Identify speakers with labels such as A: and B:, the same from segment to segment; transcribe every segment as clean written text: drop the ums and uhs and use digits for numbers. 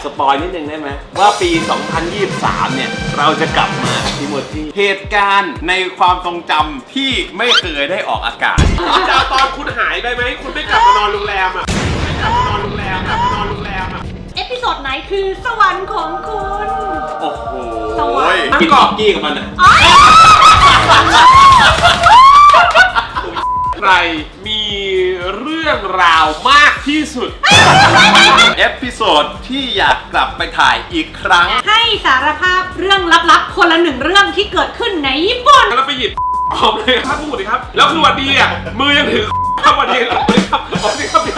A: สปอยนิดนึงได้ไหมว่าปี 2023 เนี่ยเราจะกลับมาพี่โมจิเหตุการณ์ในความทรงจำที่ไม่เคยได้ออกอากาศ
B: จากตอนคุณหายไปไหมคุณไม่กลับมานอนโรงแรมอ่ะไม่กลับมานอนโรงแรมอ่ะ
C: เอพิโซดไหนคือสวรรค์ของคุณ
A: โอ้โห
C: สวรรค์
A: กินกอกกี้กับมันอ่ะ
B: ใครมีเรื่องราวมากที่สุด
A: เอพิโซดที่อยากกลับไปถ่ายอีกครั้ง
C: ให้สารภาพเรื่องลับๆคนละหนึ่งเรื่องที่เกิดขึ้นในญี่ปุ่น
B: แล้วไปหยิบออกเลยครับพูดเลยครับแล้วคือวันดีอ่ะมือยังถือครับวันดีครับออกเลยครับ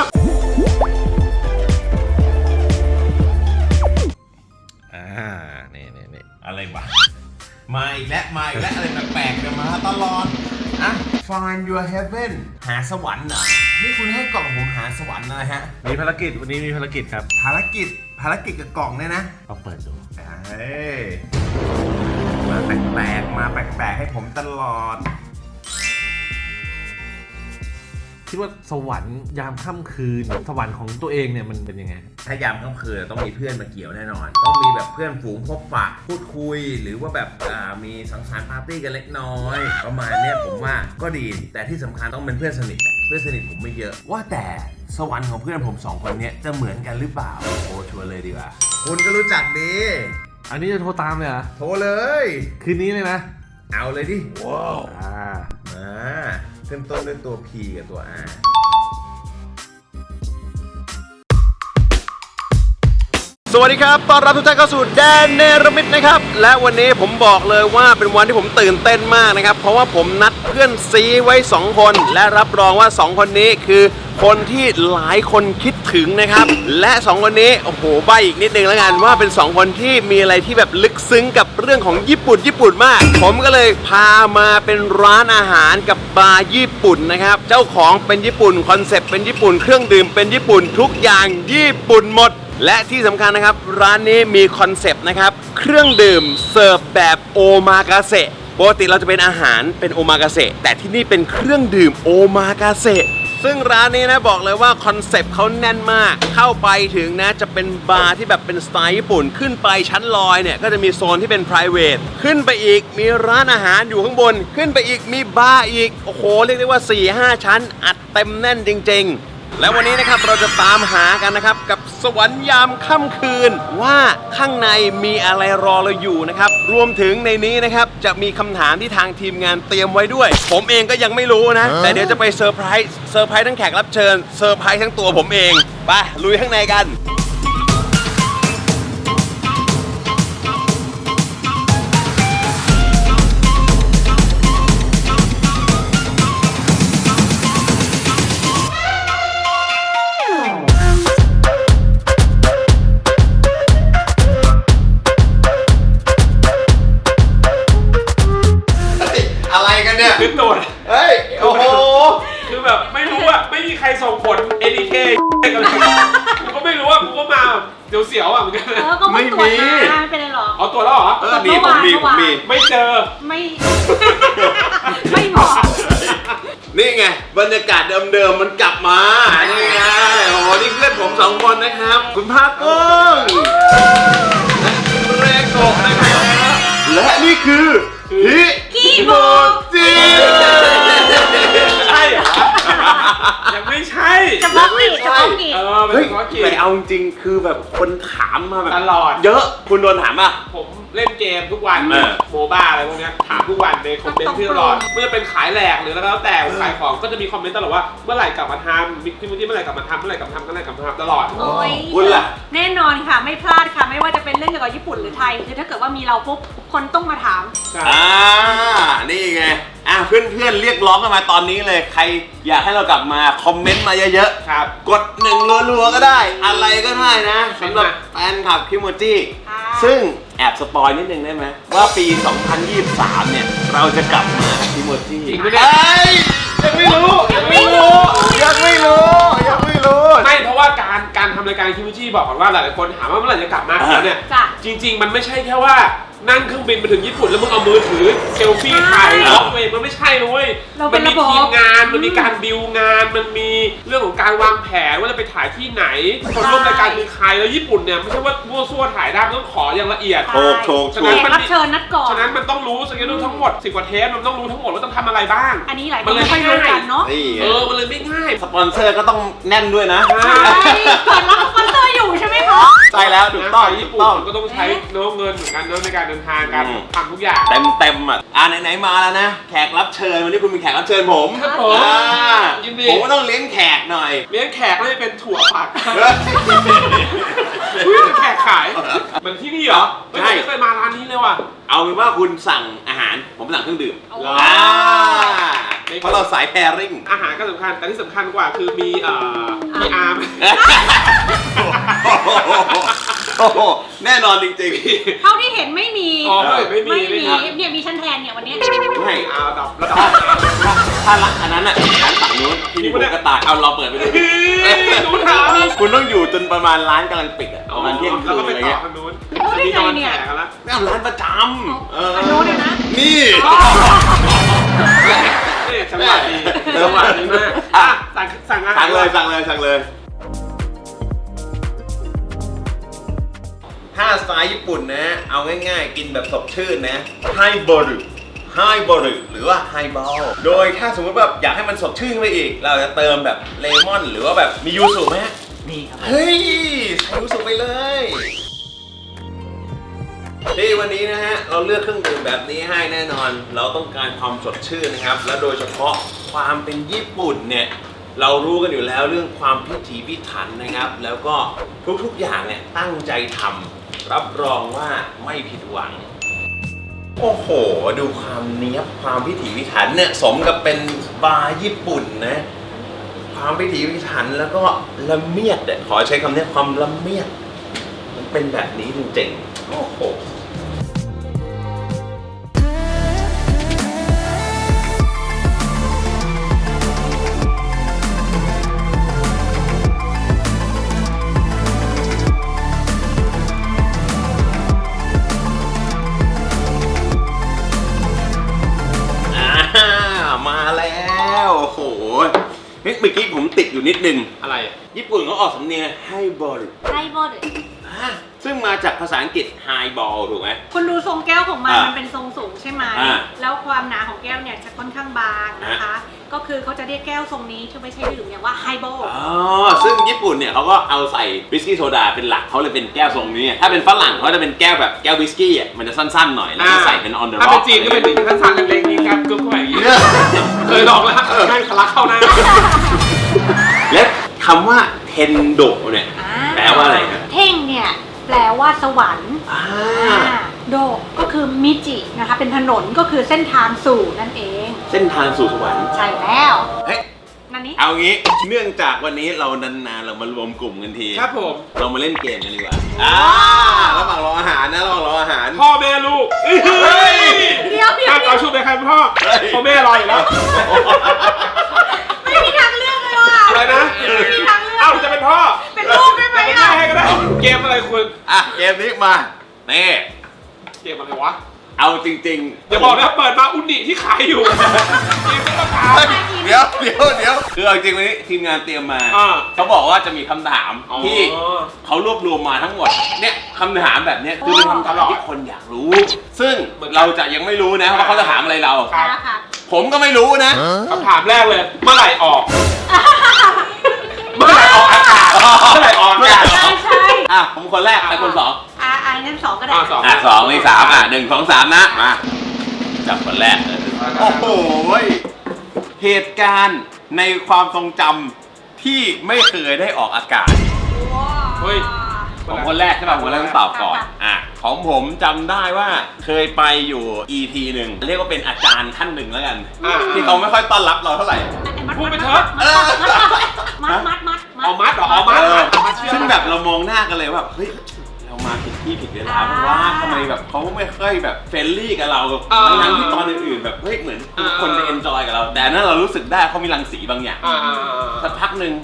A: นี่อะไรวะมาอีกแล้วอะไรแปลกๆกันมาตลอดอ่ะ Find your heaven หาสวรรค์เหรอนี่คุณให้กล่องผมหาสวรรค์อะไรฮะ
D: มีภารกิจวันนี้มีภารกิจครับ
A: ภารกิจกับกล่องเนี่ยนะ
D: ลองเปิดดู
A: เฮ้ยมาแปลกๆให้ผมตลอด
D: คิดว่าสวรรค์ยามค่ำคืนสวรรค์ของตัวเองเนี่ยมันเป็นยังไง
A: ถ้ายามค่ำคืนต้องมีเพื่อนมาเกี่ยวแน่นอน ต้องมีแบบเพื่อนฝูงพบปะพูดคุยหรือว่าแบบมีสังสรรค์ปาร์ตี้กันเล็กน้อยประมาณเนี้ยผมว่าก็ดีแต่ที่สำคัญต้องเป็นเพื่อนสนิทเพื่อนสนิทผมไม่เยอะว่าแต่สวรรค์ของเพื่อนผม2คนเนี้ยจะเหมือนกันหรือเปล่าโอ้ชวนเลยดีกว่าคุณก็รู้จักดี
D: อันนี้จะโทรตามเลยเหรอ
A: โทรเลย
D: คืนนี้เลยนะ
A: เอาเลยดิ
D: ว้าว
A: เริ่มต้นด้วยตัว P กับตัว Rสวัสดีครับต้อนรับทุกท่านเข้าสู่แดนเนรมิตนะครับและวันนี้ผมบอกเลยว่าเป็นวันที่ผมตื่นเต้นมากนะครับเพราะว่าผมนัดเพื่อนซีไว้2คนและรับรองว่า2คนนี้คือคนที่หลายคนคิดถึงนะครับและ2คนนี้โอ้โหใบอีกนิดนึงแล้วกันว่าเป็น2คนที่มีอะไรที่แบบลึกซึ้งกับเรื่องของญี่ปุ่นมากผมก็เลยพามาเป็นร้านอาหารกับบาร์ญี่ปุ่นนะครับเจ้าของเป็นญี่ปุ่นคอนเซ็ปต์เป็นญี่ปุ่นเครื่องดื่มเป็นญี่ปุ่นทุกอย่างญี่ปุ่นหมดและที่สำคัญนะครับร้านนี้มีคอนเซปต์นะครับเครื่องดื่มเสิร์ฟแบบโอมากาเสะปกติเราจะเป็นอาหารเป็นโอมากาเสะแต่ที่นี่เป็นเครื่องดื่มโอมากาเสะซึ่งร้านนี้นะบอกเลยว่าคอนเซปต์เขาแน่นมากเข้าไปถึงนะจะเป็นบาร์ที่แบบเป็นสไตล์ญี่ปุ่นขึ้นไปชั้นลอยเนี่ยก็จะมีโซนที่เป็น private ขึ้นไปอีกมีร้านอาหารอยู่ข้างบนขึ้นไปอีกมีบาร์อีกโอ้โหเรียกได้ว่า 4-5 ชั้นอัดเต็มแน่นจริงๆและวันนี้นะครับเราจะตามหากันนะครับกับสวรรค์ยามค่ำคืนว่าข้างในมีอะไรรอเราอยู่นะครับรวมถึงในนี้นะครับจะมีคำถามที่ทางทีมงานเตรียมไว้ด้วยผมเองก็ยังไม่รู้นะแต่เดี๋ยวจะไปเซอร์ไพรส์ทั้งแขกรับเชิญเซอร์ไพรส์ทั้งตัวผมเองไปลุยข้างในกันอะไรกันเนี่ย
B: ขึ้นตัว
A: เฮ้ยโอ้โห
B: คือแบบไม่รู้อ่ะไม่มีใครส่งผล ADK กันเลยกูก็ไม่รู้อ่ะกูก็มาเดี๋ยวเสียวอ่ะเหมือนกัน
C: ก็ไม่ตรวจมาไม่เป็นไรหรอก
B: เอาตัวแล้วเหรอ
A: มีผมมี
B: ไม่เจอ
C: ไม่บอก
A: นี่ไงบรรยากาศเดิมๆมันกลับมานี่ไงโอ้โหนี่เพื่อนผม2คนนะครับคุณภาคกุ้งและคุณเรโกะนะครับและนี่คือฮิกิโมจิ
B: ใช่เหรอยังไม่ใช่
C: จะบล็อกกี่จะบล็อกกี่
B: เป็น
A: เฮ้ย
B: เฉพาะกิจ
A: แต่เอาจริงๆคือแบบคนถามมาแบบ
B: ตลอด
A: เยอะคุณโดนถามป่ะ
B: ผมเล่นเกมทุกวัน โมบ้าอะไรพวกเนี้ยถามทุกวันในคอมเมนต์ที่ตลอดไม่ว่าจะเป็นขายแหลกหรือแล้วแต่ขายของก็จะมีคอมเมนต์ตลอดว่าเมื่อไหร่กลับมาทำมิกพี่มุ้ยเมื่อไหร่กลับมาทำตลอด
C: โอ้ย
A: คุณล่ะ
C: แน่นอนค่ะไม่พลาดค่ะไม่ว่าจะเป็นเรื่องเกี่ยวกับญี่ปุ่นหรือไทยคือถ้าเกิดว่ามีเราปุ๊บคนต้องมาถาม
A: นี่ไงเพื่อนๆเรียกร้องกันมาตอนนี้เลยใครอยากให้เรากลับมาคอมเมนต์มาเยอะๆ
B: ครับ
A: กด1รัวๆก็ได้อะไรก็ได้นะสำหรับแฟนคลับคิโมจิ
C: ค่ะ
A: ซึ่งแอบสปอยนิดนึงได้ไหมว่าปี 2023 เนี่ยเราจะกลับมาคิโมจิ
B: จริงปะเนี่ย
A: ยังไม่รู้
B: ไม่เพราะว่าการทำรายการคิมูจิบอกก่อนว่าหลายๆคนถามว่าเมื่อไหร่จะกลับมาแล้วเนี่ย
C: จ้ะ
B: จริงๆมันไม่ใช่แค่ว่านั่งเครื่องบินไปถึงญี่ปุ่นแล้วมึงเอามือถือเซลฟี่ถ่ายล็อกเว้ยมันไม่ใช่นะเว้ย
C: เป็
B: มัน น
C: ระ
B: มี
C: บบ
B: ทีมงานมันมีการดิวงานมันมีเรื่องของการวางแผนว่าจะไปถ่ายที่ไหนคนร่วมรายการคือใครแล้วญี่ปุ่นเนี่ยไม่ใช่ว่ามั่วซั่วถ่ายได้มันต้องขออย่างละเอียด
A: ถูก
B: ฉะ
C: แข
B: นั้น
C: กรับเชิญนัดก่อน
B: ฉะนั้นมันต้องรู้สเกดูทั้งหมด10 กว่าเทปมันต้องรู้ทั้งหมดว่าต้องทำอะไรบ้าง
C: อันนี้หลายคนไม่ค่อยรู้กันเนาะ
A: นี่ไง
B: มันเลยไม่ง่าย
A: สปอนเซอร์ก็ต้องแน่นด้วยนะ
C: ใช่เปิดรับสปอนเซอร์อยู่ใช่ไหมคะ
A: ใช่แล้วถูกต้อง
B: ไป
A: ถู
B: ญี่
A: ก
B: ปุ่น
A: ต้อง
B: ก็ต้องใช้เนื้อเงินเหมือนกันเนื้อในการเดินทางการ
A: อืม
B: ทำทุกอย่าง
A: เต็มอ่ะไหนๆมาแล้วนะ แขกรับเชิญวันนี้คุณเป็นแขกรับเชิญผม
B: ครับผม
A: อ่า
B: ยินดี
A: ผมก็ต้องเลี้ยงแขกหน่อย
B: เลี้ยงแขกก็จะเป็นถั่วผัก
A: เฮ้ย
B: แขกขายเหมือนที่นี่เหรอ
A: ใช่
B: ไม่เคยมาร้านนี้เลยว่ะ
A: เอาเป็นว่าคุณสั่งอาหารผมสั่งเครื่องดื่ม
C: เอา
A: อ่าเพราะเราสายแพริ่ง
B: อาหารก็สำคัญแต่ที่สำคัญกว่าคือมีมีอาร์ม
A: โอ้โหแน่นอนจริง
C: เท่าที่เห็นไม่มี
B: อ๋อไม่มี
C: ไม่มี
B: ครับ
C: เนี่ยมีชั้นแทนเนี่ยวันนี้
A: ๆไม่
B: อาดับระดับ
A: ถ้ารักอันนั้นอ่ะร้านฝั่งนู้นที่นี่ผมก็ตายเอาเราเปิดไปเลย
B: ดูถาม
A: คุณต้องอยู่จนประมาณร้านกำลังปิดอ่ะประมาณเที่ยงคื
B: แล้ว
A: น
B: ก็
A: อะ
B: ไป
A: ไร
B: ต่อ
A: เงี้ย
B: ทางนู้น
C: รู้ได้ไงเนี่ย
B: แขกแล้ว
A: นี่ร้านประจำ
C: อันโน้นเนี่ยนะ
A: นี่
B: จังหวะดีจังหวะดีมากอ่ะสั่งอาหาร
A: สั่งเลยถ้าสไตล์ญี่ปุ่นนะ เอาง่ายๆ กินแบบสดชื่นนะไฮบอรุหรือว่าไฮบอลโดยถ้าสมมติแบบอยากให้มันสดชื่นขึ้นไปอีก เราจะเติมแบบเลมอนหรือว่าแบบมียูสุไหมฮะ
D: มีครับ
A: เฮ้ยใส่ยูสุไปเลยที่วันนี้นะฮะ เราเลือกเครื่องดื่มแบบนี้ให้แน่นอน เราต้องการความสดชื่นนะครับ และโดยเฉพาะความเป็นญี่ปุ่นเนี่ย เรารู้กันอยู่แล้วเรื่องความพิถีพิถันนะครับ แล้วก็ทุกๆอย่างเนี่ยตั้งใจทำรับรองว่าไม่ผิดหวัง โอ้โห ดูความเนี้ยบความพิถีพิถันเนี่ยสมกับเป็นบาร์ญี่ปุ่นนะ ความพิถีพิถันแล้วก็ละเมียดเนี่ยขอใช้คำนี้ความละเมียดมันเป็นแบบนี้จริงๆ โอ้โห มาแล้วโอ้โหเมื่อกี้ผมติดอยู่นิดนึง
B: อะไร
A: ญี่ปุ่นเขาออกสำเนียงไฮบอล
C: ไฮบอล
A: ซึ่งมาจากภาษาอังกฤษไฮบอลถูกไหม
C: คุณดูทรงแก้วของมัน
A: อ่ะ
C: มันเป็นทรงสูงใช่ไหม
A: อ่ะ
C: แล้วความหนาของแก้วเนี่ยจะค่อนข้างบางนะคะ ก็คือเขาจะเรียกแก้วทรงนี้ที่ไม่ใช่ดื่มเนี่ยว่าไฮบอล
A: อ๋อซึ่งญี่ปุ่นเนี่ยเขาก็เอาใส่วิสกี้โซดาเป็นหลักเขาเลยเป็นแก้วทรงนี้ ถ้าเป็นฝรั่งเขาจะเป็นแก้วแบบแก้ววิสกี้อ่ะมันจะสั้นๆหน่อยแล้วก็ใส่เป็น on the
B: ถ้า
A: rock
B: เป็นจีนก็เป็นอย่างนี้ท่านสั่งเล็กๆนี่ครับก็เข้าไปอย่างนี้เคยลองแล้วแม่งทะลักเข้าหน้า
A: และคำว่าเทนโดเนี่ยแปลว่าอะไรครับ
C: เท่งเนี่ยแปลว่าสวรรค์
A: อ่า
C: โดก็คือมิจินะคะเป็นถนนก็คือเส้นทางสู่นั่นเอง
A: เส้นทางสู่สวรรค์
C: ใช่แล้ว
A: เฮ้ย
C: นั่นนี้
A: เอางี้เนื่องจากวันนี้เรานานๆเรามารวมกลุ่มกันที
B: ครับผม
A: เรามาเล่นเกมกันดีกว่าระหว่างรออาหารนะระหว่างรออาหาร
B: พ่อแม่ลูกเฮ้ย
C: เดี๋ยว
B: ถ้าเอาชุบไปใครเป็นพ่อพ่อแม่รออยู่แล้ว
C: ไม่มีทางเลือกเลยว่ะ
B: อะไรนะ
C: ไม่มีทางเลือก
B: เอ้าจะเป็นพ่อ
C: เป็นลูกได้ไหม
B: เป็น
C: อ่ะ
B: แม่ให้ก็ได้เกมอะไรคุณ
A: อ่ะเกมนี้มาเน่
B: เกมอะไรวะ
A: เอาจริงๆ
B: อย่าบอกนะเปิดมาอุนิที่ขายอยู่เกมไม่ต้องถาม
A: เดี๋ยวคือเอาจริงๆวันนี้ทีมงานเตรียมมา
B: อ่า
A: เขาบอกว่าจะมีคำถาม
B: อ๋อ
A: ที่เขารวบรวมมาทั้งหมดเนี่ยคำถามแบบเนี้ยคือเป็นคำถามที่คนอยากรู้ ซึ่งเราจะยังไม่รู้นะว่าเขาจะถามอะไรเรา
B: ครับ
C: ค่ะ
A: ผมก็ไม่รู้นะ
B: คำถามแรกเลย เมื่อไหร่ออก เมื่อไหร่ออกอากาศ เมื่อไหร่ออกอากาศ
C: ใช่ใช่
A: อ่ะผมคนแรกไปคนสอง
C: งั้นสองก็ได้
B: สอง
A: อ่ะสองนี่สามอ่ะหนึ่งสองสามนะมาจับคนแรกเลยโอ้โหเหตุการณ์ในความทรงจำที่ไม่เคยได้ออกอากาศ
B: เฮ้ย
A: ของคนแรกใช่ป่ะคนแรกต้องตอบก่อนอ่ะของผมจำได้ว่าเคยไปอยู่ EP หนึ่งเรียกว่าเป็นอาจารย์ท่านหนึ่งแล้วกัน
B: อ่ะ
A: ที่เขาไม่ค่อยต้อนรับเราเท่าไหร่
B: พูดไปเถอะ
C: มัด
B: เอามัดเหรอเอามัด
A: เออ
B: เอามัดเชือก
A: ซึ่งแบบเรามองหน้ากันเลยว่าเฮ้ยเรามาผิดที่ผิดเวลาเพราะว่าทำไมแบบเขาไม่ค่อยแบบเฟรนลี่กับเราทั้งที่ตอนอื่นๆแบบเฮ้ยเหมือนทุกคนจะเอนจอยกับเรา แต่อันนั้นเรารู้สึกได้เขามีรังสีบางอย่าง
B: อ่า
A: สักพักหนึ่ง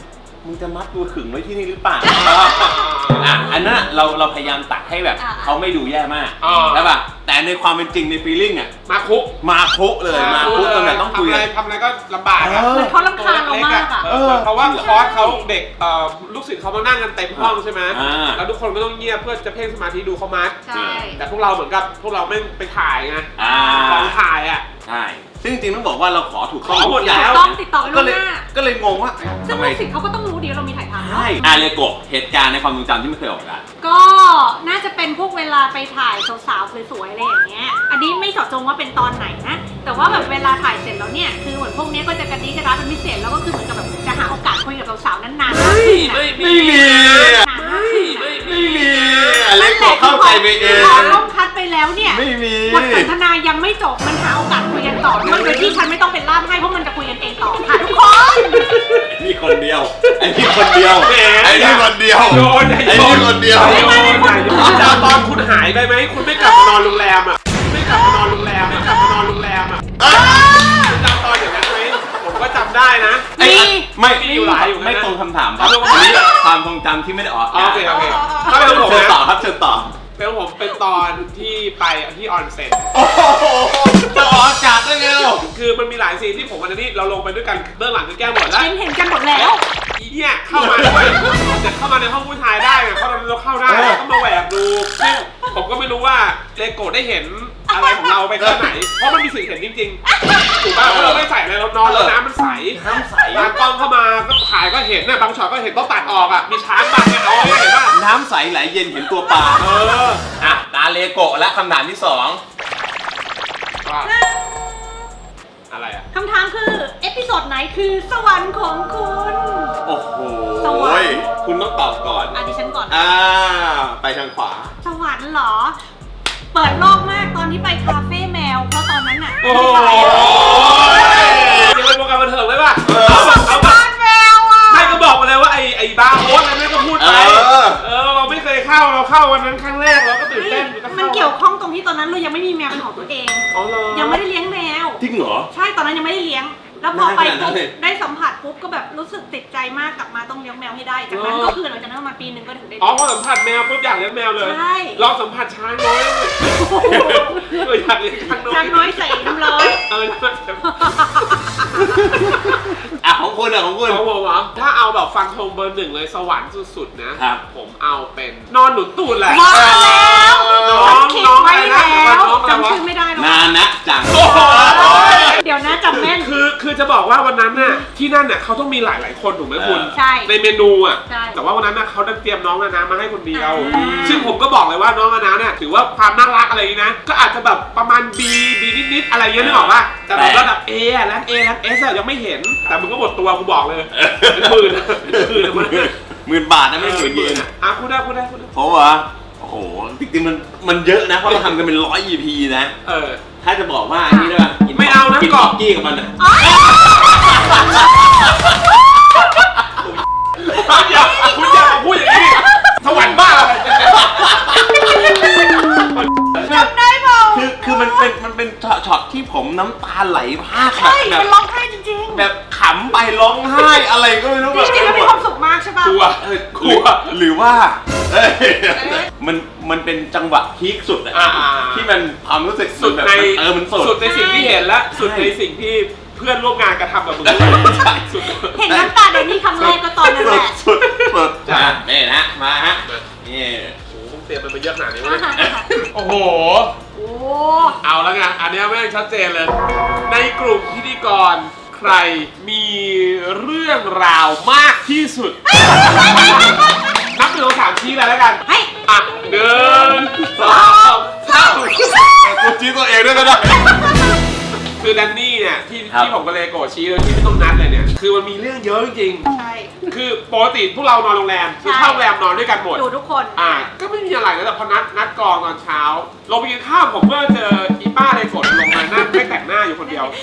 A: มึงจะมัดตัวขึงไว้ที่นี่หรือเปล่าอันนั้นเราพยายามตัดให้แบบเขาไม่ดูแย่มากใช่ป่ะแต่ในความเป็นจริงในฟีลลิ่งอ่ะมาคุเลยมาคุตรงไหนต้องคุย
B: ทำอะไรก็ลำบาก
C: เหมือนเขารำคาญเรามากอ่ะ
B: เพราะว่าคอร์สเขาเด็กลูกศิษย์เขามานั่งกันเต็มห้องใช่ไหมแล้วทุกคนก็ต้องเงียบเพื่อจะเพ่งสมาธิดูเขามัดแต่พวกเราเหมือนกับพวกเราไม่ไปถ่ายไงของถ่ายอ่ะ
A: ใช่ซึ่งจริงๆต้องบอกว่าเราขอถูกต้อง
B: หมดแล้ว
C: ต้องติดต่อไปล่วงหน้า
A: ก็เลยงงว่า
C: ซึ่งลูกศิษย์เขาก็ต้องรู้ดีว่าเรามีถ่ายทำ
A: ใช่เลโกะเหตุการณ์ในความทรงจำที่ไม่เคยออกกัน
C: ก็น่าจะเป็นพวกเวลาไปถ่ายสาวๆสวยๆอะไรอย่างเงี้ยอันนี้ไม่เจาะจงว่าเป็นตอนไหนนะแต่ว่าแบบเวลาถ่ายเสร็จแล้วเนี่ยคือเหมือนพวกนี้ก็จะกระดิกระดาเป็นพิเศษแล้วก็คือเหมือนกับแบบจะหาโอกาสคุยกับสาวๆนานๆ
B: ไม่มี
A: เลโกะเข้าใจไปเอง
C: พอล่มคัดไปแล้วเนี่ย
A: ไม่มี
C: บทสนทนายังไม่จบมันหาโอกาสคุยกันต่อโดยที่ฉันไม่ต้องเป็นล่ามให้เพราะมันจะคุยกันเองต่อค่ะทุกคน
A: นี่คนเดียวไอ้นี่คนเดียวไอ้นี่คนเดียวไอ้นี่คนเดียว
B: จะตอนคุณหายไปไหมคุณไม่กลับมานอนโรงแรมอ่ะไม่กลับมานอนโรงแรมจำตอนอย่างนั้นไหมผมก็จำได้นะ
A: ไม่อยู่หลายอยู่ไม่ตรงคำถามครับอันนี้ความทรงจำที่ไม่ได้ออก
B: โอเคก็เป็นผม
A: เชิญต่อครับเชิญต่อ
B: เป็นผมเป็นตอนที่ไปที่ออนเซ็น
A: จะออกอากาศได้ไงล่ะ
B: คือมันมีหลายซีนที่ผมวันนี้เราลงไปด้วยกันเบื้องหลังก็แก้หมดแล้ว
C: เห็นกันหมดแล้ว
B: อีเนี่ยเข้ามาด้วยเสร็จเข้ามาในห้องผู้ชายได้ไงเพราะเราเข้าได้ก็มาแหวกดูซึ่งผมก็ไม่รู้ว่าเลโกะได้เห็นอะไรของเราไปแค่ไหนเพราะมันมีสิ่งเห็นจริงๆถูกป่ะเพราะเราไม่ใส่อะไรเรานอนแล้วน้ำมันใสบางกล้องเข้ามาก็ถ่ายก็เห็นน่ะบางช็อตก็เห็นต้องตัดออกอ่ะมีช้างบางเนี่ยเอาเห็นป่ะ
A: น้ำใสไหลเย็นเห็นตัวปลาตาเลโกะและคำถามที่2
B: อะไรอ่ะ
C: คำถามคือเอพิโซดไหนคือสวรรค์ของคุณ
A: โอ้โหคุณต้องตอบก่อน
C: ดิฉันก่อน
A: ไปทางขวา
C: สวรรค์เหรอเปิดโลกมากตอนที่ไปคาเฟ่แมวเพราะตอนนั้นน่ะ
B: โอ้ยยังเป็นโปรแกรมบันเทิงเลยป่ะ
C: เอาบ้านแมวอ่ะ
B: ไม่ก็บอกมาเลยว่าไอ้บาร์โฮสอะไรไม่ก็พูดไปเราไม่เคยเข้าเราเข้าวันนั้นครั้งแรกเราก็ตื่นเต้น
C: มันเกี่ยวข้องตรงที่ตอนนั้นเรายังไม่มีแมวเป็นของตัวเองยังไม่ได้เลี้ยงแมว
A: จริงเหรอ
C: ใช่ตอนนั้นยังไม่ได้เลี้ยงแล้วพอไปปุ๊บได้สัมผัสปุ๊บก็แบบรู้สึกติดใจมากกลับมาต้องเลี้ยงแมวให้ได้จากนั้นก็คือหลังจากนั้นประมาณปีนึงก็ถึงได้
B: พอสัมผัสแมวปุ๊บอยากเลี้ยงแมวเลย
C: ใช่
B: ลองสัมผัสช้างน้อยอยากเลี้ยงช้าง
C: น้อยใส่น้ำร้อน
A: ของคุณของคุณ
B: ของผมเหรอถ้าเอาแบบฟังธงเบอร์ 1เลยสวรรค์สุดๆนะผมเอาเป็นนอนหนุนตูดแหละ
C: มาแล้วน้องไม่แล้วจำชื่อไม่ได้
A: นานนะจัง
C: เดี๋ยวนะจำแม่น
B: คือจะบอกว่าวันนั้นน่ะที่นั่นน่ะเขาต้องมีหลายคนถูกไหมคุณในเมนูอ่ะแต่ว่าวันนั้นน่ะเขาดันเตรียมน้องนานามาให้คนเดียวซึ่งผมก็บอกเลยว่าน้องนานาเนี่ยถือว่าความน่ารักอะไรนี้นะก็อาจจะแบบประมาณ B นิดๆอะไรเงี้ยนึกออกป่ะแต่แบบระดับ A แล้ว A แล้ว S ยังไม่เห็นแต่มึงก็หมดตัวกูบอกเลยเป็น
A: 10,000 บาทนะไม่ถึงเยน
B: คุณได้
A: เพราะว่าโอ้โหจริงๆมันเยอะนะเพราะเราทำกันเป็น100 EP นะถ้าจะบอกว่าอันนี้ได้ป่ะ
B: ไม่เอานะ
A: กินกรอบกี้กับมันอ่ะ
B: คุณอย่าพูดอย่างนี้สวรรค์บ้า
C: จำได้เปล่า
A: คือมันเป็นช็อตที่ผมน้ำตาไหลพาก
C: แบบร้องไห้จริง
A: ๆแบบขำไปร้องไห้อะไรก็ไม่รู้แบบ
C: จริงๆแล้วมีความสุขมากใช่ป่ะ
B: กลัว
A: หรือว่ามันเป็นจังหวะพีคสุดอะที่มันความรู้สึก
B: สุดใน
A: มัน
B: สุดในสิ่งที่เห็นและสุดในสิ่งที่เพื่อนร่วมงานกระทำกับมึง
C: เห็นน้ำตาเดนนี่คำแรกก็ตอนนั้นแหละ
A: สุดนี่นะมาฮะนี่
B: โอ้โหเตรียมมันไปเยอะขนาดนี้เลยโอ้โหเอาแล้วไงอันนี้ไม่ชัดเจนเลยในกลุ่มพิธีกรใครมีเรื่องราวมากที่สุดนับ1 2 3ชี้เลยแล้วกัน1 2 3
A: กูชี้ตัวเองด้วยก็ได้
B: คือแดนนี่เนี่ยที่ผมกับเลโกะชี้เลยที่ไม่ต้องนัดเลยเนี่ยคือมันมีเรื่องเยอะจริง
C: ใช่
B: คือปกติพวกเรานอนโรงแรมคือเข้าโรงแรมนอนด้วยกันหมด
C: อยู่ทุกคน
B: ก็ไม่มีอะไรนะแต่พอนัดกองตอนเช้าลงไปกินข้าวผมก็เจออีป้าเลโกะลงมานั่งไม่แต่งหน้าอยู่คนเดียว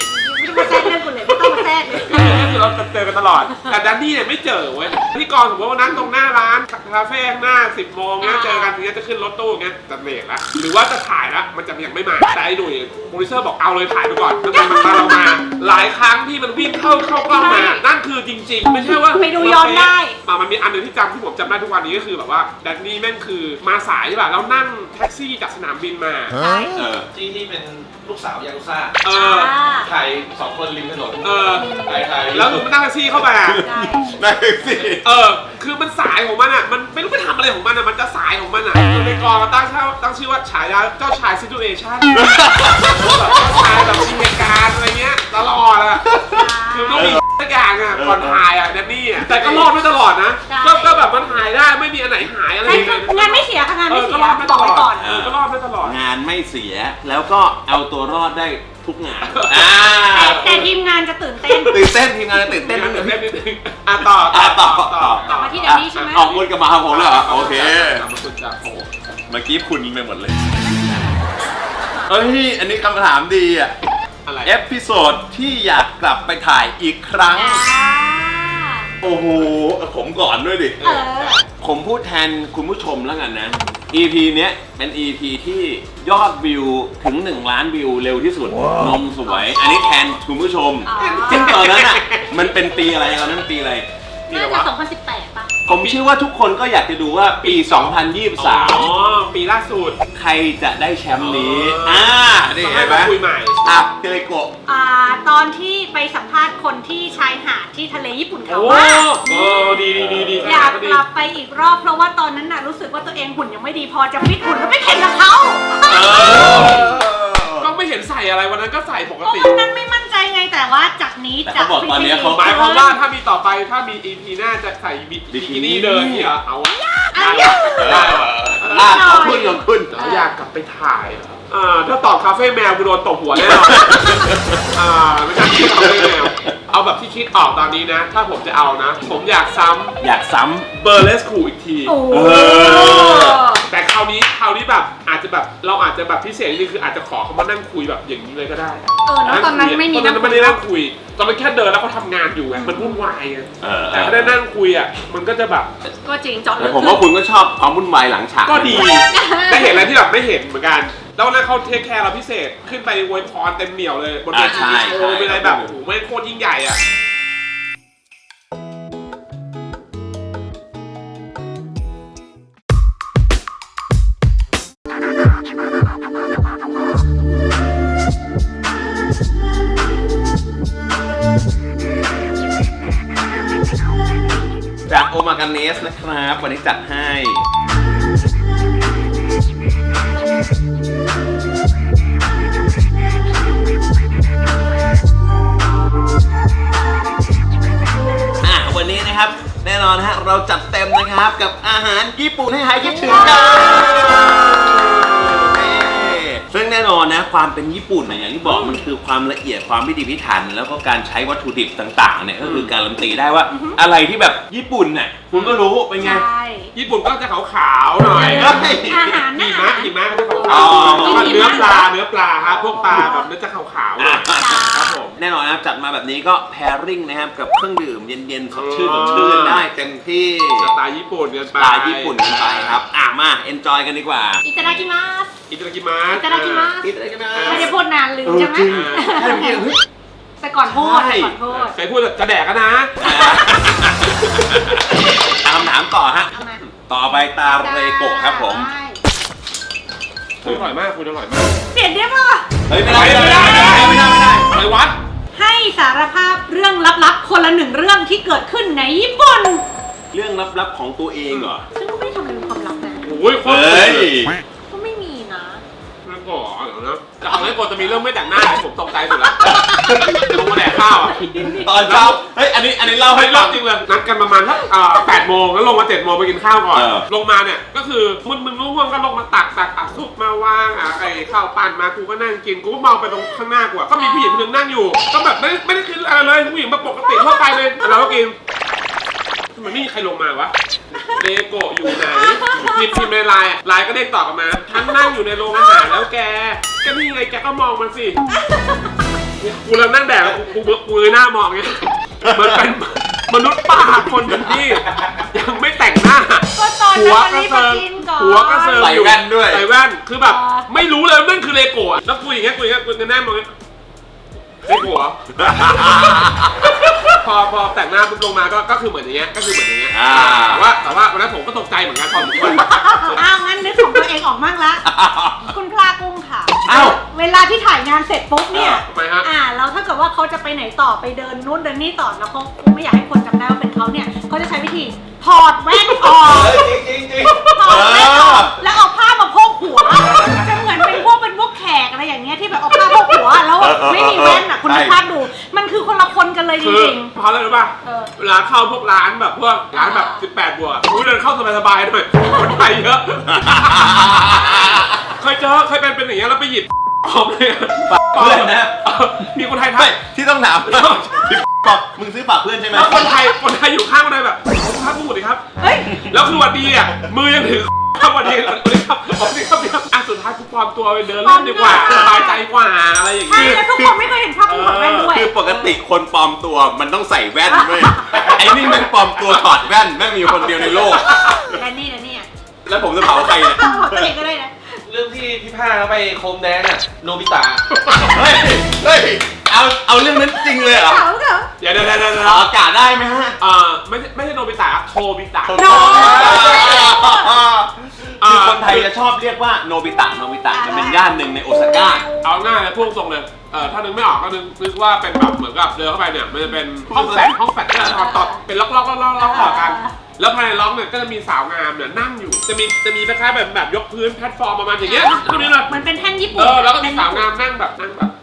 C: มาแทรกเรื่องกูเลยไม่ต้องมาแทรกเลย
B: ก็คือเราเจอกันตลอด แต่แดนนี่เนี่ยไม่เจอเว้ยที่กองสมมติว่านั่งตรงหน้าร้านคาเฟ่ข้างหน้า 10 โมงเงี้ยเจอกันทีนี้จะขึ้นรถตู้เงี้ยจะเบรกแล้วหรือว่าจะถ่ายแล้วมันจะยังไม่มาแต่ไอ้หนุ่ยโปรดิวเซอร์บอกเอาเลยถ่ายไปก่อนแล้วมันมาเรามาหลายครั้งที่มันวิ่งเข้ากล้องมานั่นคือจริง ๆ ไม่ใช่ว่า
C: ไปดูย้อนได้
B: มันมีอันหนึงที่ที่ผมจำได้ทุกวันนี้ก็คือแบบว่าแดนนี่แม่งคือมาสายใช่ป่ะแล้วนั่งแท็กซี่จากสนามบินมา
E: ที่เป็นลูกสาวยากุซ่า
C: ใช่
E: ถ่าย2 คนริมถนน ถ่าย
B: แล้วมันนั่งแท็กซี่เข้ามา
A: นั่นสิ
B: คือมันสายของมันอ่ะ มันไม่รู้ไปทำอะไรของมันอ่ะ มันจะสายของมันอ่ะคือในกองตั้งชื่อว่าฉายาเจ้าชายซิทูเอชั่นแบบเจ้าชายแบบมีเหตุการณ์อะไรเงี้ยตลอดอ่ะ คือต้องมีสักอย่างอ่ะก่อนถ่ายอ่ะแดนนี่อ่ะ แต่ก็รอดไม่ตลอดนะ ก็แบบมันหายได้ไม่มีอันไหนหายอะไร
C: ใช่
B: เลย
C: งานไม่เสียค่ะงานไม่เสีย
B: ก็รอดไม่
C: บ
B: ต
C: อก
B: ล
C: ไว้
B: อ
C: ก่อ
B: ด
C: น
B: ก็รอดไม่ตลอด
A: งานไม่เสียแล้วก็เอาตัวรอดได้ทุกงาน
C: แต่ทีมงานจะตื่นเต้น
A: ตื่นเต้นทีมงานจะตื่นเต้น
B: เต้
A: นิ
B: น
A: ดนึง
B: นิดนึงต่อ
C: กลับมาที่แดนนี่ใช่ไหม
A: ออกวนกลับมาหาผมเลยเหรอโอเค
B: กลับมาคุณจากโอ้
A: เมื่อกี้คุณไปหมดเลยเฮ้ยอันนี้คำถามดีอ่ะ
B: อะไร
A: เอพิโซดที่อยากกลับไปถ่ายอีกครั้ง โอ้โหผมก่อนด้วยดิ
C: เออ
A: ผมพูดแทนคุณผู้ชมแล้วกันนะ EP เนี้ยเป็น EP ที่ยอดวิวถึง1 ล้านวิวเร็วที่สุด นมสวย อันนี้แทนคุณผู้ชม ซึ่งตอนนั้นอ่ะ มันเป็นปีอะไรตอนนั้นปีอะไร
C: น่าจะ2018 ป่ะ
A: ผมเชื่อว่าทุกคนก็อยากจะดูว่าปี 2023
B: ปีล่าสุด
A: ใครจะได้แชมป์นี้ นี่
B: ต้อง
A: เห็
B: ให้
A: นไหม
B: มาคุยใหม่
A: อ่ะเทเลโกะ
C: ตอนที่ไปสัมภาษณ์คนที่ชายหาดที่ทะเลญี่ปุ่นเขา
B: โอ้
C: ว่า
B: ดี
C: อยากกลับไปอีกรอบเพราะว่าตอนนั้นน่ะรู้สึกว่าตัวเองหุ่นยังไม่ดีพอจะฟิตหุ่นแล้วไม่แข่งกับเขา
B: ก็ไม่เห็นใส่อะไรวันนั้นก็ใส่ปก
C: เพราะ
B: ติ
C: วันนั้นไม่มั่นใจไงแต่ว่าจากนี้
A: แต่
C: จะ
A: เขาบอกตอนนี้เขา
B: หมายความว่าถ้ามีต่อไปถ้ามี EP หน้าจะใส่บิกินี่เดินนี่เหรอเอาอะ
C: อัน
B: ได้
C: นี้
B: ได้
A: ขอบคุณขอบคุณ
B: เราอยากกลับไปถ่ายเหรอถ้าตอบคาเฟ่แมวกูโดนตบหัวแน่นอนไม่ใช่คาเฟ่แมวเอาแบบที่คิดออกตอนนี้นะ ถ้าผมจะเอานะ ผมอยากซ้
A: อยากซ้
B: ำเบอร์เลสคูอีกที
C: โอ้
B: แต่คราวนี้แบบอาจจะแบบเราอาจจะแบบพิเศษนิดนึงคืออาจจะขอเขามานั่งคุยแบบอย่างนี้เลยก็ได้
C: แล้วตอนนั้นไม่มี
B: ตอนนั้นไม่ได้นั่งคุย ตอนนั้นแค่เดินแล้วเขาทำงานอยู่ไงมันวุ่นวายไง
A: ำ
B: แต่ถ้าได้นั่งคุยอ่ะมันก็จะแบบ
C: ก็จริงเจาะ
A: แต่
C: ลึก
A: ผมว่าคุณก็ชอบความวุ่นวายหลังฉาก
B: ก็ดี ได้เห็นอะไรที่แบบไม่เห็นเหมือนกัน แล้ววันนั้นเขาเทคแคร์เราพิเศษขึ้นไปอวยพรเต็มเหนียวเลยบนเวทีโชว์เป็นอะไรแบบโอ้โหไม่โคตรยิ่งใหญ่อ่ะ
A: จากโอมากาเนสนะครับ วันนี้จัดให้ วันนี้นะครับ แน่นอนฮะเราจัดเต็มนะครับกับอาหารญี่ปุ่นให้หายคิดถึงกันซึ่งแน่นอนนะความเป็นญี่ปุ่นนะอย่างที่บอกมันคือความละเอียดความพิถีพิถันแล้วก็การใช้วัตถุดิบต่างๆเนี่ยก็คือการันตีได้ว่าอะไรที่แบบญี่ปุ่นเนี่ยคุณก็รู้เป็นไง
C: ใช่
B: ญี่ปุ่นก็จะขาวๆหน่อย
C: อาหาร
B: หิ
C: นะ
B: มะก็จะขาว
A: อ๋อ
B: ๆแล้วก็เนื้อปลาครับพวกปลาแบบเนื้อจะขาวๆหน่อยครับผม
A: แน่นอนนะครับจัดมาแบบนี้ก็แพริ่งนะครับกับเครื่องดื่มเย็นๆสดชื่นได้เต็มที่
B: สไตล์ญี่ปุ่นกัน
A: ส
B: ไป
A: ไตล์ญี่ปุ่นกันไปครับมาเอนจอยกันดีกว่า
C: อิตาดากิมัส
B: อิตาลีมา
C: อิตาดากิมัส
A: อิตาลีกันนะ
C: ไม่ได้พูดนานลืมใช่ไหม
A: จริงใช่เมื่อกี้เฮ้ย
C: แต่ก่อนพูด
A: ใช่
C: แต่ก่อนพูด
B: เคยพูดจะแดกกันนะ
A: คำถามต่อฮะ
C: เอามา
A: ต่อไปตาเรโกะครับผม
C: ได้
B: คุณอร่อยมากคุณอร่อยมาก
C: เปลี่ยนได้ป่ะ
A: เฮ้ยไม่ได้ไม่ได้
B: ไปวัด
C: ให้สารภาพเรื่องลับๆคนละ1เรื่องที่เกิดขึ้นในญี่ปุ่น
A: เรื่องลับๆของตัวเองเหรอ
C: ซึ่งก็ไม่ได้ทำเป็นความลับนะ
B: โอ้ยโคตร
A: เฮ้ย
C: ก็ไม่มีนะ
B: น่ากลัวเดี๋ยวนะแต่ของไอ้โกจะมีเรื่องไม่แต่งหน้าผมตกใจสุดละลงมาแดกข้าวอ่ะ
A: ตอนเช้าเฮ้ยอันนี้เล่าให้
B: ให้
A: ฟั
B: รอง บจริงเลยนัดกันประมาณสัก8 โมงแล้วลงมา7 โมงไปกินข้าวก่อน ลงมาเนี่ยก็คือมึนง่วงก็ลงมาตักซุปมาวางไอ้ข้าวปั้นมากูก็นั่งกินกูก็มองไปตรงข้างหน้ากูก็มีผู้หญิงคนนึงนั่งอยู่ก็แบบไม่ได้คิดอะไรเลยผู้หญิงมาปกติทั่วไปเลยเราก็กินมันไม่มีใครลงมาวะเลโกะอยู่ไหนพิมพ์ในไลน์ก็เด้งตอบกลับมาฉันนั่งอยู่ในโรงอาหารแล้วแกนี่ไงแกก็มองมันสิกูเริ่มนั่งแดกกูเลยหน้ามองเงี้ยมันเป็นมนุษย์ป้าคนหนึ่งที่ยังไม่แต่งหน้า
C: ก็ตอนนั้นมันรีบมากินก่อน
B: หัวกระเซิร์
A: ใส่แว่นด้วย
B: ใส่แว่นคือแบบไม่รู้เลยนั่นคือเลโก้อะแล้วกูอย่างเงี้ยกูแน่มองเงี้ยเลโก้เหรอ พอแต่งหน้าปุ๊บลงมาก็คือเหมือนอย่างเงี้ยแต่ว่าวันนั้นผมก็ตกใจเหมือนกันพอผม
C: อ้าวงั้นนึกของตัวเองออกมั่งละ คุณพลากุ้งค่ะ
A: อ้าว
C: เวลาที่ถ่ายงานเสร็จปุ๊บเนี่ย
B: ทำไมฮะ
C: แล้วถ้าเกิดว่าเขาจะไปไหนต่อไปเดินนู่นเดินนี่ต่อแล้วเขาไม่อยากให้คนจำได้ว่าเป็นเขาเนี่ยเขาจะใช้วิธีถอดแว่นออก
E: จริง
C: ถอดแว่นออกแล้วเอาผ้ามาโพกหัวจะเหมือนเป็นพวกแขกอะไรอย่างเงี้ยที่แบบเอาผ้าโพกหัวแล้วไม่มีแว่นอ่ะคุณนึกภาพดู มันคือคนละคนกันเลยจ
B: คือ
C: ริง
B: เพราะอะไรรู้ป่ะเวลาเข้าพวกร้านแบบพวกร้านแบบ18 บวกกูเดินเข้าสบายๆหน่อยคนไทยเยอะ เคยเป็นอย่างเงี้ยแล้วไปหยิบออกเลย
A: เพื่อนนะ
B: มีคนไทย
A: ไม่ที่ต้องถามบอกมึงซื้อฝากเพื่อนใช่ไหม
B: แล้วคนไทยอยู่ข้างคนไทยแบบผมครับพูดดิครับ
C: ๆเฮ้ย
B: แล้วคือวันดีอ่ะมือยังถือครับวันดีครับสุดท้ายกูปลอมตัวไปเดินเล่นดีกว่าสบายใจกว่าอะไรอย่าง
C: ใช่
B: เงี้ย
C: แล้วทุกคนไม่เคยเห็นภาพคุณถอดแว่นด้วย
A: คือปกติคนปลอมตัวมันต้องใส่แว่นด้วยไอ้นี่แม่งปลอมตัวถอดแว่นแม่งมีคนเดียวในโลก
C: และนี่นะเนี่ย
A: แล้วผมจะเผาใครเนี่ย
C: ต้องบอกตัวเองก็ได้นะ
E: เรื่องที่พี่ผ้าเขาไปโคมแดงอะโนบิตะ
A: เฮ้ยเอาเรื่องนั้นจริงเลยเหรอ
C: เขาเหรอ
B: เดี๋ยว
A: ออกอากาศได้ไหมฮะ
B: ไม่ใช่โนบิตะโทบิตะ
A: คือคนไทยจะชอบเรียกว่าโนบิตะมันเป็นย่านหนึ่งในโอซาก้า
B: เอาง่ายเลยพูดตรงเลยถ้านึกไม่ออกก็นึกว่าเป็นแบบเหมือนกับเดินเข้าไปเนี่ยมันจะเป็นห้องแฟลตที่เราต่อเป็นล็อกต่อกัน แล้วภายในล็อกเนี่ยก็จะมีสาวงามเนี่ยนั่งอยู่จะมีคล้ายๆแบบยกพื้นแพลตฟอร์มประมาณอย่างเงี้ยตรงนี้เลย
C: มันเป็นแท่นญี่ปุ่น
B: แล้วก็มีสาวงามนั่งแบบ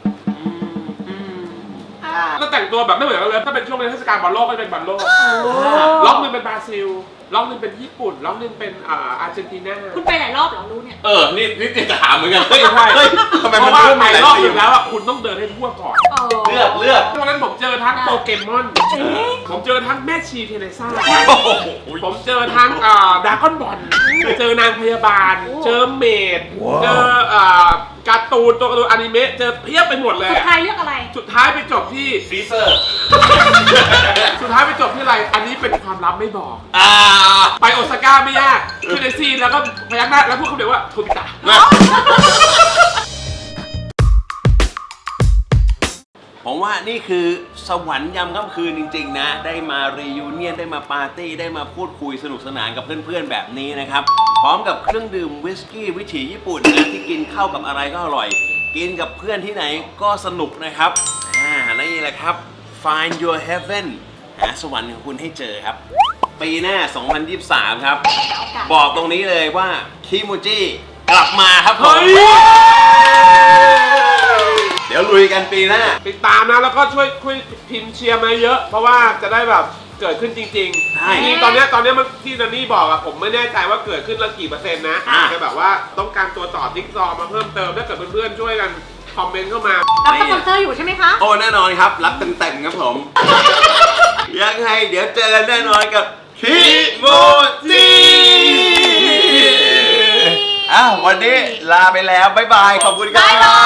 B: แล้วแต่งตัวแบบไม่เหมือนกันเลยถ้าเป็นช่วงเทศกาลบอลโลกก็จะเป็นบอลโลกล็อกนึงเป็นบราซิลล็อกนึงเป็นญี่ปุ่นล็อกนึงเป็นอาร์เจนตินา
C: คุณไปหลายรอบเหรอรู้เนี่ย
A: นี่จะถามเหมือนกันเฮ้ยทำไม
B: เพ
A: มัน
B: ราะว่า
A: เริ่ม
B: ไป
A: มีหลาย
B: รอบ
A: สี
B: นึงแล้วอ่ะคุณต้องเดินให้ทั่วก่อน
E: เลือก
B: ตอนนั้นผมเจอทั้งโปเกมอนผมเจอทั้งแม่ชีเทเรซ่า
A: โอ้โห
B: ผมเจอทั้งดราก้อนบอลเจอนางพยาบาล เจอเมดเจอการ์ตูนตัวการ์ตูนอนิเมะเจอเพียบไปหมดเลย
C: สุดท้ายเลือกอะไร
B: สุดท้ายไปจบที่
E: ฟีเซอร์
B: สุดท้ายไปจบที่อะไร อันนี้เป็นความลับไม่บอก
A: อ่า
B: ไปโอซาก้าไม่ยากขึ้นแท็กซี่แล้วก็พยักหน้าแล้วพูดคำเดียวว่าโทบิตะ
A: ผมว่านี่คือสวรรค์ยามค่ำคืนจริงๆนะได้มารียูเนียนได้มาปาร์ตี้ได้มาพูดคุยสนุกสนานกับเพื่อนๆแบบนี้นะครับพร้อมกับเครื่องดื่มวิสกี้วิถีญี่ปุ่นนะที่กินเข้ากับอะไรก็อร่อย กินกับเพื่อนที่ไหนก็สนุกนะครับนี่แหละครับ Find your heaven หาสวรรค์ของคุณให้เจอครับ ปีหน้า 2023 ครับ บอกตรงนี้เลยว่าคิมูจิกลับมาครับผมเดี๋ยวลุยกันปีหน้า
B: ติดตามนะแล้วก็ช่วยพิมพ์เชียร์มาเยอะ เพราะว่าจะได้แบบเกิดขึ้นจริง
A: ใช่
B: ๆจริงๆตอนเนี้ยมันที่นันนี่บอกอะผมไม่แน่ใจว่าเกิดขึ้นแล้วกี่เปอร์เซ็นต์นะแค่แบบว่าต้องการตัวต่อจิ๊กซอว์มาเพิ่มเติมถ้าเกิดเพื่อนๆช่วยกันคอมเมนต์เข้ามา
C: รับสปอนเซอร์อยู่ใช่ไหมคะ
A: โอ้แน่นอนครับ รับเต็มๆครับผม ยังไงเดี๋ยวเจอกันแน่นอนกับคิโมจิวันนี้ลาไปแล้ว บ๊ายบาย ขอบคุณครับ